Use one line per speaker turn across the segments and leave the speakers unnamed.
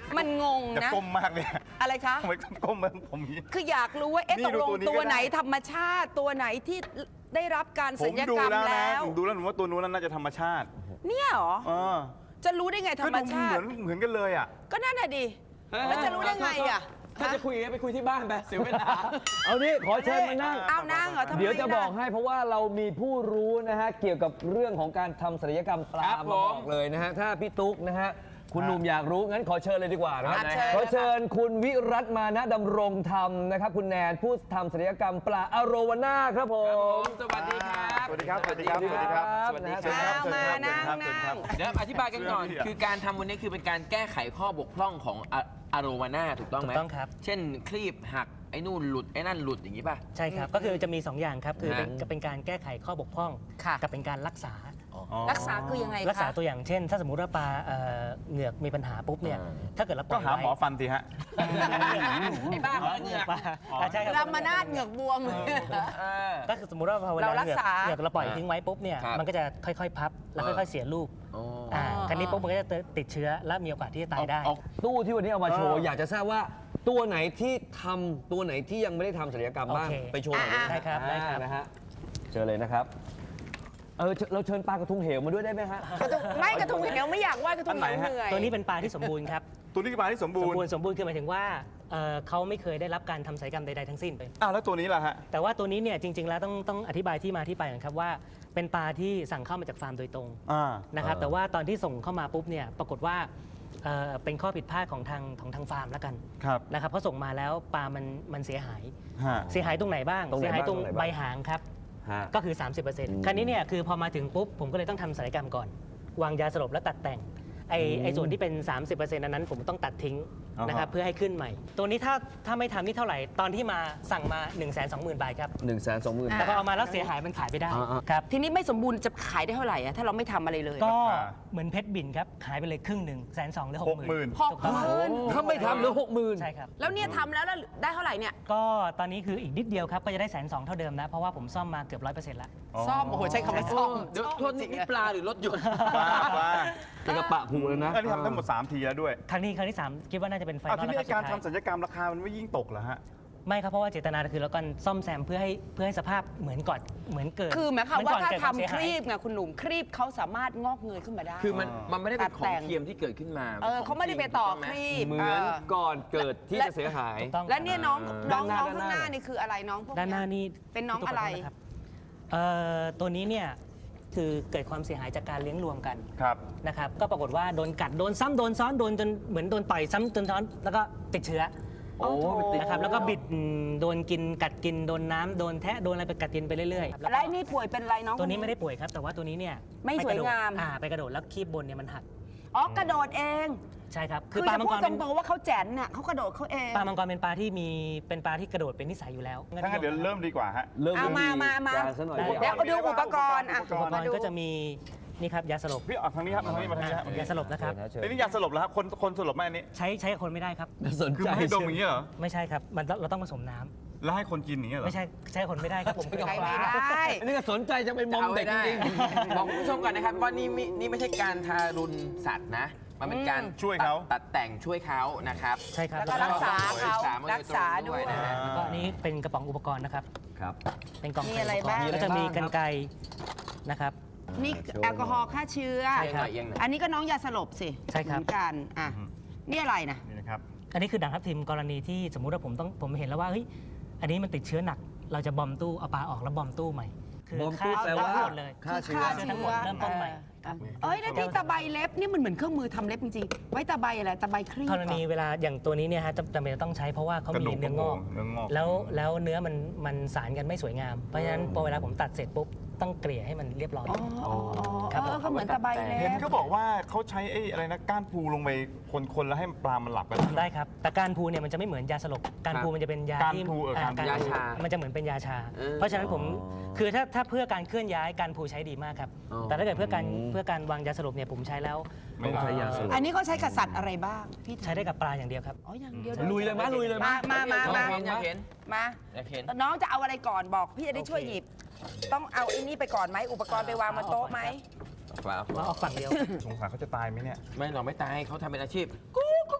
มันงง
จะ
นะ
ก้มมากเลย
อะไรคะ
ทำไมก้มมาผมนี้
คืออยากรู้ว่าเอ๊ะ
นี่
ตกลง
ดูตัวนี้
ตัว
ก็ได้
ไหนธรรมชาติตัวไหนที่ได้รับการ
ผ
ศั
ม
ลย
ดู
กรรม
แล้วนะ
แล้ว
ผมดูแล้วผมว่าตัวนู้นน่าจะธรรมชาติ
เนี่ยเหรอ
เออ
จะรู้ได้ไงธร
ก็
รม
ดู
ชา
เห
ติ
มือนกันเลยอ่ะ
ก็นั่นน่ะดิแล้วจะรู้ได้ไงอ่ะ
ถ้าจะคุยกันไปคุยที่บ้านไปเสียเวลา
เอานี่ขอเชิญมานั่ง
เอานั่งเหรอทำไม
เดี๋ยวจะบอก
ล่
ให้เพราะว่าเรามีผู้รู้นะฮะเกี่ยวกับเรื่องของการทำศัลยกรรมปลา
ครับ
มาบอก
ผม
เลยนะฮะถ้าพี่ตุ๊กนะฮะคุณหนุ่มอยากรู้งั้นขอเชิญเลยดีกว่านะ
เชิญ
ขอเชิญคุณวิรัตมานะดำรงธรรมนะครับคุณแนนผู้ทำศัลยกรรมปลาอโรวาน่าครับผม
สวัสดีครับ
สวัสดีครับ สวัสดีครับ สวัสดีครับ
สวัสดีค
เชิญ
รั
ครับ บ
เอามา
เชิญ
นั่ง
ครับเชิญครับ
เดี๋ยวอธิบายกันก่อน
เชื่อพี่อะ
คือการทำวันนี้คือเป็นการแก้ไขข้อบกพร่องของอะโรวาน่าถูกต้องไหม
ถูกต้องครับ
เช่นคลีบหักไอ้นู่นหลุดไอ้นั่นหลุดอย่างนี้ป่ะ
ใช่ครับ ก็คือจะมี 2 อย่างครับ คือ
ฮะ
เป็นการแก้ไขข้อบกพร่อง
ค่ะ
กับเป็นการรักษา
รักษาคือยังไงคะ
รักษาตัวอย่างเช่น ถ้าสมมุติว่าปลาเหงือกมีปัญหาปุ๊บเนี่ย ถ้าเกิดเราป
ก็
ล่อย
หาหมอ
ไว้
ฟันสิฮะ
ไอ้บ้าขอเหงือก
ปลาใช่ครับ
รามานาดเหงือกบวม
ก็คือสมมุติว่าพอเวลา
เรารักษา
เหงือกเราปล่อยทิ้งไว้ปุ๊บเนี่ย
ครับ
มันก็จะค่อยๆพับแล้วค่อยๆเสียรูป
อ๋อ
คราวนี้ปุ๊บมันก็จะติดเชื้อและมีโอกาสที่จะตายได้
เอา
ตู้ที่วันนี้เอามาโชว์
เออ
อ
อ
ยากจะทราบว่าตัวไหนที่ทำตัวไหนที่ยังไม่ได้ทำศัลยกรรมบ้าง
โอเค
ไปโชว์หน่อย
ได้ครับได้ครับ
นะฮะเชิญเลยนะครับเราเชิญปลากระทุงเหวมาด้วยได้ไหมฮะ
ไม่กระทุงเหนียวไม่อยากไหว้กระทุงเหนียว
อันไหนฮะ
เหนื่อย
ตัวนี้เป็นปลาที่สมบูรณ์ครับ
ตัวนี้คือปลาที่สมบูรณ์
สมบูรณ์คือหมายถึงว่าเขาไม่เคยได้รับการทำศัลยกรรมใดๆทั้งสิ้นเลย
อ้าวแล้วตัวนี้ล่ะฮะ
แต่ว่าตัวนี้เนี่ยจริง ๆ แล้วต้องอธิบายที่มาที่ไปก่อนครับว่าเป็นปลาที่สั่งเข้ามาจากฟาร์มโดยตรง
อ่า
นะครับแต่ว่าตอนที่ส่งเข้ามาปุ๊บเนี่ยปรากฏว่าเป็นข้อผิดพลาดของทางฟาร์มแล้วกัน
ครับ
นะครับเขาส่งมาแล้วปลามันเสียหาย
ฮะ
เสียหายตรงไหนบ้าง
ตรงไหน
เสียหายตรง
บ้าง
ใบหางครับ
ฮะ
ก็คือ 30%คราวนี้เนี่ยคือพอมาถึงปุ๊บผมก็เลยต้องทำศัลยกรรมก่อน วางยาสลบแล้วตัดแต่งไอ้ส่วนที่เป็น 30%นั้นผมต้องตัดทิ้งนะครับเพื่อให้ขึ้นใหม่ ตัวนี้ถ้าไม่ทำนี่เท่าไหร่ ตอนที่มาสั่งมา 120,000 บาทครับ
120,000
แต่พอเอามาแล้วเสียหายมันขายไม่ได้
อ่า
ครับ
ทีนี้ไม่สมบูรณ์จะขายได้เท่าไหร่อะถ้าเราไม่ทำอะไรเลย
ก็เหมือนเพชรบินครับขายไปเลยครึ่งหนึ่ง120,000หรือ
60,000
หกหมื่น
ถ้าไม่ทำเหลือ60,000
ใช่ครับ
แล้วเนี่ยทำแล้วได้เท่าไหร่เนี่ย
ก็ตอนนี้คืออีกนิดเดียวครับก็จะได้120,000เท่าเดิมนะเพราะว่าผมซ่อมมาเกือบ 100%แล้ว
ซ่อมโอ้โหใช้คำว่าซ่อม
เดี๋ยวโทษนี่ปลาหรือรถยนต์
ปลาปลา
เป็นกระปะผูเลยนะ
อันนี้ทำทั้งหมด3ทีแล้วด้วย
ครั้งที่3คิดว่าน่าจะเป็นไฟน
อ้าว
อล
ที่
แล้ว
นี่
ครับ
การ
สุดท้าย
ทำศัลยกรรมราคามันไม่ยิ่งตกเหรอฮะ
ไม่ครับเพราะว่าเจตนาคือเราก็ซ่อมแซมเพื่อให้สภาพเหมือนก่อนเหมือนเกิด
คือหมายความว่าถ้า
เกิด
ทำ
เสีย
ค
หาย
รีบไงคุณหนุ่มครีบเขาสามารถงอกเงยขึ้นมาได้
คือมันไม่ได้เป็นข
ตัด
อ
แต่
ง
ง
เทียมที่เกิดขึ้นมา
เขาไม่ได้ไปต่อครีบ
เหมือนก่อนเกิดที่จะเสียหาย
ถูกต้อง
และเนี่ยน้อง
ด้านหน้า
ข้างหน้านี่คืออะไรน้องพวก
ด้านหน้านี่
เป็นน้องอะไร
ขโทษนะครับตัวนี้เนี่ยคือเกิดความเสียหายจากการเลี้ยงรวมกัน
ครับ
นะครับก็ปรากฏว่าโดนกัดโดนซ้ำโดนซ้อนโดนจนเหมือนโดนต่อยซ้ำจนซ้อนแล้วก็ติดเชื้อ
โอ้มันติด
นะครับแล้วก็บิดโดนกินกัดกินโดนน้ำโดนแทะโดนอะไรไปกัดกินไปเรื่อยๆ
แล้วไอ้นี่ป่วยเป็นอะไรน้อง
ตัวนี้ไม่ได้ป่วยครับ แต่ว่าตัวนี้เนี่ย
ไม่สวยงาม
ไปกระโดดแล้วคีบบนเนี่ยมันหัก
อ๋อกระโดดเอง
ใช่ครับ
คือ
ปลา
จะ
มัง
พู
ก
ด
ร
ต
เป็น
รงๆว่าเขาแจ๋นน่ะเขากระโดดเขาเอง
ปลามังกรเป็นปลาที่เป็นปลาที่กระโดดเป็นนิสัยอยู่แล้ว
ถ้างั้นเดี๋ยวเริ่มดีกว่าฮะ
เริ่ม
เอามา
การซะหน่อย
ได้
เดี๋ยวเอาดูอุปกรณ์อ่ะ
อุปกรณ์
อุปกรณ์ก็จะมีนี่ครับยาสลบ
พี่ออกทางนี้ครับทางนี้มาทางนี้ฮะ
ยาสลบนะครับ
เชิญ
ไอ้นี่ยาสลบแล้วฮะคนสลบไหมอันนี้
ใช้กับคนไม่ได้ครับ
สน
คือ
ใจ
ไม่ให้ดมอย่างนี้เหรอ
ไม่ใช่ครับเราต้องผสมน้ำ
แล้วให้คนกินอย่างนี้เหรอ
ไม่ใช่กับคนไม่ได้ครับผมเป็นกับ
ใช้
ป
ไม่
ลา
ได้
อันนี้ก็สนใจจะเป็นมอม
เอา
เด็
ไว้
ก
ได้
จริง
บอกคุณผู้ชมก่อนนะครับว่านี่ไม่ใช่การทารุณสัตว์นะ มันเป็นการ
ช่วยเขา
ตัดแต่งช่วยเขานะครับ
ใช่ครับ
แล้วก็รักษาเขา
มา
รักษาด้วย
นะฮะ
แล้วก็อันนี้เป็นกระป๋องอุปกรณ์นะครับ
ครับ
เป็นกล่อง
มี
ใส่
อะไร
อุปกร
บ้าง
ณ์ก็จะมีกรรไกรนะครับ
นี่แอลกอฮอล์ฆ่าเชื้อ
ใช่ครับ
เอียงหน่อย
อันนี้ก็น้องยาสลบสิ
ใช่ครับ
เหมือนกันอ่ะนี่อะไรนะ
นี่นะครับ
อันนี้คือด่างทับทิมกรณีที่สมมุติว่าผมเห็นแล้วว่าเฮ้ยอันนี้มันติดเชื้อหนัก เราจะบอมตู้เอาปลาออกแล้วบอมตู้ใหม่
บอมตู้แปลว่า
ฆ่หมดเลย
ฆ่าเชื้อ
ทั้งหมดเริ่มต้นใหม่
เอ้ยแล้วที่ตะไบเล็บนี่มันเหมือนเครื่องมือทำเล็บจริงๆไว้ตะไบอะไรตะไบครีบ
กรณีเวลาอย่างตัวนี้เนี่ยฮะจำเป็นจะต้องใช้เพราะว่าเขา
กระ
มี
ดูก
เนื้องอก
เนื้องอก
แล้วเนื้อมันสารกันไม่สวยงาม เพราะฉะนั้นพอเวลาผมตัดเสร็จปุ๊บต้องเกลี่ยให้มันเรียบร้อย ครับผม
ก็เหมือนตะไบเล็
เห็น
บ
เขาบอกว่าเขาใช้ไอ้อะไรนะก้านปูลงไปคนๆแล้วให้ปลามันหลับกัน
ได้ครับ แต่การพูเนี่ยมันจะไม่เหมือนยาสลบ การพูมันจะเป็นยา
การ
ที่
พูการพู
ยาชา มันจะเหมือนเป็นยาชา เพราะฉะนั้นผมคือถ้าเพื่อการเคลื่อนย้ายการพูใช้ดีมากครับ แต่ถ้าเกิดเพื่อการวางยาสลบเนี่ยผมใช้แล้ว
ไม่ใช้ยาสลบ
อันนี้เขาใช้กับสัตว์อะไรบ้างพี่
ใช้ได้กับปลาอย่างเดียวครับ
อ๋ออย่างเดียว
ลุยเลยมั้ยลุยเลยมั้ย
มา
อยากเห็น
มา
อยากเห็น
น้องจะเอาอะไรก่อนบอกพี่จะได้ช่วยหยิบ ต้องเอาไอ้นี่ไปก่อนไหมอุปกรณ์ไปวางบนโต๊ะไหม
เปล่า
ว่าออกฝั่งเดียว
สงสารเขาจะตายไหมเนี่ย
ไม่หรอกไม่ตายเขาทำเป็นอาชีพ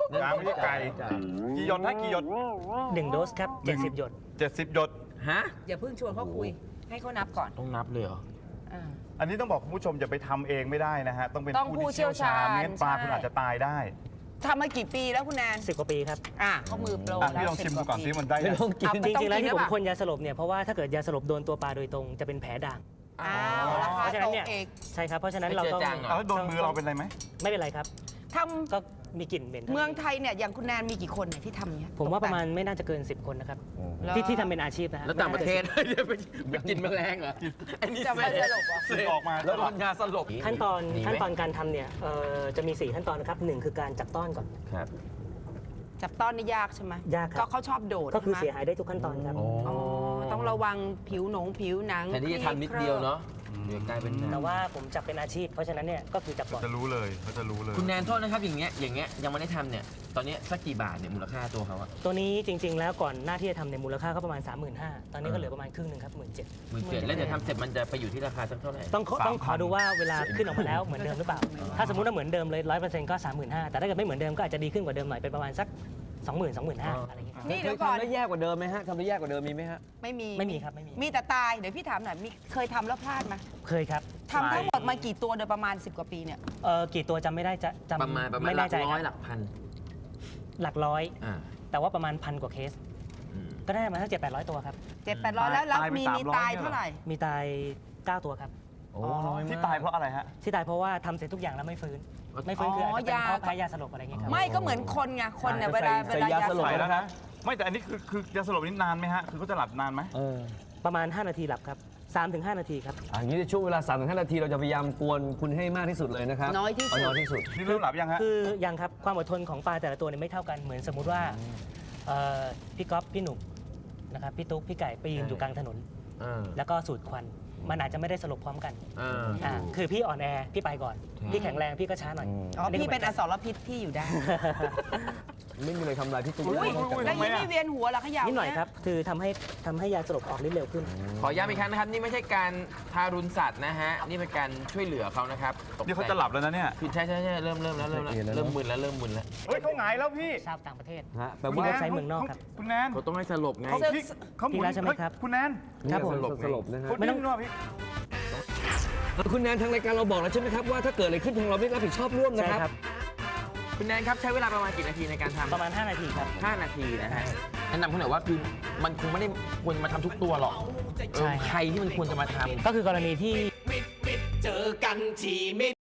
ยาไม่ใช่ไก่กี่หยดนะกี่หยด
1 โดสครับ 70 หยด
70 หยด
ฮะ
อย่าเพิ่งชวนเขาคุย ให้เขานับก่อน
ต้องนับเลยเหรอ
อ่า
อันนี้ต้องบอกคุณผู้ชมอย่าไปทำเองไม่ได้นะฮะต้องเป็น
ต้องผู้เชี่ยวชาญ
ไม่งั้นปลา
ใช่
คุณอาจจะตายได้
ทำมากี่ปีแล้วคุณแนน
10 กว่าปีครับ
เขามือโปร
อ่ะ
แล้ว
พี่ลองชิมดูก่อน
10
ซิมันได้
ไม่
ยัง
ต้องกิน
เอาไป
จริงๆแล้วที่ผม
ต้องกินหรือเปล่า
คนยาสลบเนี่ยเพราะว่าถ้าเกิดยาสลบโดนตัวปลาโดยตรงจะเป็นแผลด่าง
อ้าวรา
เพ
คา
ราะฉะ
ต
นั้น
ก
เนี่ย
เอก
ใช่ครับเพราะฉะนั้นเราต้อง
ไม่เจือจางเหรอ
เอาแล้วโดนมือเราเป็นไรไหม
ไม่เป็นไรครับ
ท
ก็มีกลิ่นเหม็น
ำเมืองไทยเนี่ยอย่างคุณแนนมีกี่คนเนี่ยที่ทำเนี่ย
ผมว่าประมาณไม่น่าจะเกิน 10 คนนะครับ
แล้ว
ที่ทำเป็นอาชีพนะฮะ
แล้วต่างประเทศ เดี๋ยวไปกินแมลงเหรอไอ้นี่
จะมาสลบเหรอ
สีออกมา
แล้วโดนยาสลบ
ขั้นตอน
มีไหม
ขั้นตอนการทำเนี่ยจะมี 4 ขั้นตอนนะครับ1คือการจับต้อนก่อน
ครับ
จับต้อนนี่ยากใช่ไหม
ยากครับ
ก็เขาชอบโดด
ก็คือ
ใช่
เสีย
ไหม
หายได้ทุกขั้นตอนครับ
อ๋อต้องระวังผิวหนัง
แต่นี่จะทำนิดเดียวเนาะเดี๋ยวกลายเป็น
แต่ว่าผมจับเป็นอาชีพ เพราะฉะนั้นเนี่ยก็คือจับก่อน
จะรู้เลยเขาจะรู้เลย
คุณแนนโทษนะครับอย่างเงี้ยยังไม่ได้ทำเนี่ยตอนเนี้ยสักกี่บาทเนี่ยมูลค่าตัวเขาอะ
ตัวนี้จริง ๆ แล้วก่อนหน้าที่จะทำในยมูลค่าก็ประมาณ 35,000ตอนนี้ก็เหลือประมาณครึ่งหนึ่งครับ 17,000
17,000แล้วเดี๋ยวทำเสร็จมันจะไปอยู่ที่ราคาสักเท่าไหร่
ต้องขอดูว่าเวลาขึ้นออกมาแล้วเหมือนเดิมหรือเปล่า ถ้าสมมุติว่าเหมือนเดิมเลย 100%ก็ 35,000แต่ถ้าเกิดไม่เหมือนเดิมก็อาจจะดีขึ้นกว่าเดิมหน่อยเป็นประมาณสัก 20,000 25,000อะไรอย่างเงี้ย
นี่
เค
เดี๋ย
ยว
ก่อน
ทำได้แย่กว่าเดิมไหมฮะทำได้แย่กว่าเดิมมีไหมฮะ
ไม่มี
ไม่มีครับไม่มี
มีแต่ตายเดี๋ยวพี่ถามหน่อยมีเคยทำแล้วพลาดไหม
เคยครับ
ทำทั้งหมดมากี่ตัวโดยประมาณ 10 กว่าปีเนี่ย
กี่ตัวจำไม่ได้จะจำ
ประมาณ
ไม่
หลั
แน่
ก
ใจ
ร้อย
ค
ห
รับ
ลักพัน
หลักร้อย
อ่า
แต่ว่าประมาณ1,000 กว่าเคส
อืม
ก็ได้มาสัก700-800 ตัวครับ
700-800แล้ว
ตายไป
มี
300
ตายเท่าไหร่
มีตาย 9 ตัวครับ
โอ้น้อยมาก
ที่ตายเพราะอะไรฮะ
ที่ตายเพราะว่าทำเสร็จทุกอย่างแล้วไม่ฟื้น ไม่ฟื้นคืออาจจะเป็นเพราะแพ้ยาสลบอะไรอย่างเงี้ยครับ
ไม่ก็เหมือนคนไงคนเนี่ย
ใส่
เวลายา
ใส่ยาสลบ
ใส่
สล
แล้
บ
วนะ ไม่แต่อันนี้คือยาสลบนี่นานไหมฮะ คือเขาจะหลับนานไหม
เออ
ประมาณ 5 นาทีหลับครับ 3-5 นาทีครับ
อย่างนี้ในช่วงเวลา 3-5 นาทีเราจะพยายามกวนคุณให้มากที่สุดเลยนะครับ
น้อยที่สุด
น้อยที่สุด
นี่เริ่มหลับยังฮะ
คือยังครับความอดทนของปลาแต่ละตัวเนี่ยไม่เท่ากันเหมือนสมมุติว่าพี่ก๊อฟพี่หนุ่มนะครับพี่ตุ๊กพี่ไก่ไปยืนอยู่กลางถนน
อ่า
แล้วก็สูดควันมันอาจจะไม่ได้สลบพร้อมกัน
อ่า
คือพี่อ่อนแอพี่ไปก่อน พี่แข็งแรงพี่ก็ช้าหน่อย
อ๋อพี่เป็นอสรพิษที่อยู่ได้
ไม่มีอะไรทำลายพี่ตุ๊ก
อุ้ย
นอกจาก
แล้วยิ่งไม่เวียนหัวเหรอเขย่า
นิดหน่อยครับคือทำให้ยาสลบออกฤทธิ์เร็วขึ้น
ขอย้ำอีกครั้งนะครับ นี่ไม่ใช่การทารุณสัตว์นะฮะ นี่เป็นการช่วยเหลือเขานะครับตก
นี่เขาจะหลับแล้วนะเนี่ย
คือใช่เริ่มแล้วเริ่มมึนแล้ว
เฮ้ยเขาหงายแล้วพี่
ชาวต่างประเทศ
ฮะแปล
คุณ
ว่า
เว็บไซต์เมืองนอกครับ
คุณแนน
เขาต้องให้สลบไง
เขาพี่เขาหมุน
พี่แล้วใช่ไหมครับ
เฮ้ยคุณแนน
ครับผม
สลบนะฮะ
คุณนิ่มด้วยพี่
คุณแนนทางรายการเราบอกแล้วใช่ไหมครับว่าถ้าเกิดอะไรขึ้นทางเราไม่รับผิดชอบร่วมนะ
ใช่
ครับ
ครับ
คุณแนนครับใช้เวลาประมาณกี่นาทีในการทำ
ประมาณ 5 นาทีครับ
5 นาทีนะฮะแนะนำคุณหน่อยว่าคือมันคงไม่ได้ควรมาทำทุกตัวหรอก
ใช่
ใครที่มันควรจะมาทำ
ก็คือกรณีที่
เจอกันที่มิด